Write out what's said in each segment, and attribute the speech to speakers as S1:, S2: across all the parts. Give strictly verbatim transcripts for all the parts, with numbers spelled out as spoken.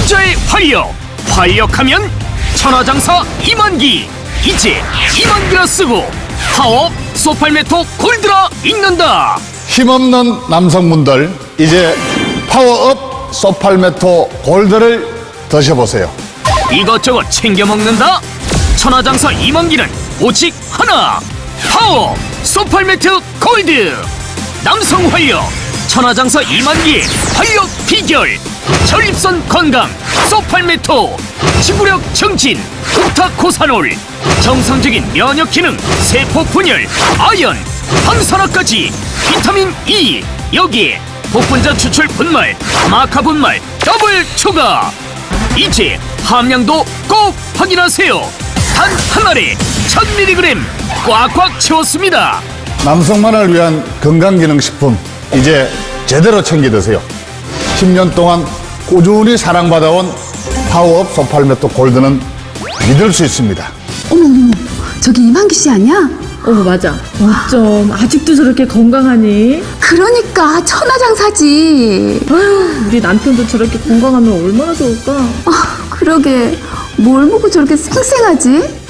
S1: 남자의 활력, 활력하면 천하장사 이만기. 이제 이만기라 쓰고 파워업 소팔메토 골드라 읽는다.
S2: 힘없는 남성분들 이제 파워업 소팔메토 골드를 드셔보세요.
S1: 이것저것 챙겨 먹는다. 천하장사 이만기는 오직 하나. 파워 소팔메토 골드. 남성 활력 천하장사 이만기의 활력 비결. 전립선 건강 소팔메토. 지구력 증진 옥타코사놀. 정상적인 면역 기능 세포 분열 아연 항산화까지 비타민 E. 여기에 복분자 추출 분말 마카 분말 더블 추가. 이제 함량도 꼭 확인하세요. 단 한 알에 천 밀리그램 꽉꽉 채웠습니다.
S2: 남성만을 위한 건강기능식품 이제 제대로 챙겨 드세요. 십 년 동안 꾸준히 사랑받아온 파워업 소팔메토 골드는 믿을 수 있습니다.
S3: 어머, 저기 이만기 씨 아니야?
S4: 어머 맞아. 어쩜 아직도 저렇게 건강하니?
S3: 그러니까 천하장사지.
S4: 아휴, 우리 남편도 저렇게 건강하면 얼마나 좋을까?
S3: 아, 그러게 뭘 보고 저렇게 쌩쌩하지?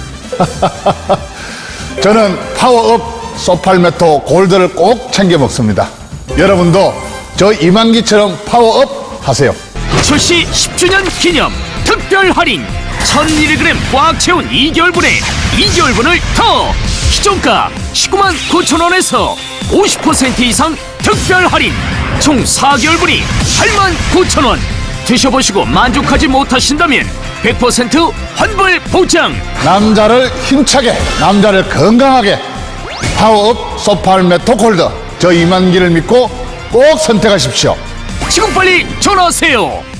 S2: 저는 파워업 소팔메토 골드를 꼭 챙겨 먹습니다. 여러분도 저 이만기처럼 파워업 하세요.
S1: 출시 십 주년 기념 특별 할인 천 밀리그램 꽉 채운 이 개월분에 이 개월분을 더 기존가 십구만 구천 원에서 오십 퍼센트 이상 특별 할인 총 사 개월분이 팔만 구천 원. 드셔보시고 만족하지 못하신다면 백 퍼센트 환불 보장.
S2: 남자를 힘차게, 남자를 건강하게 파워업 소팔메토 골드 저 이만기를 믿고 꼭 선택하십시오.
S1: 지금 빨리 전화하세요.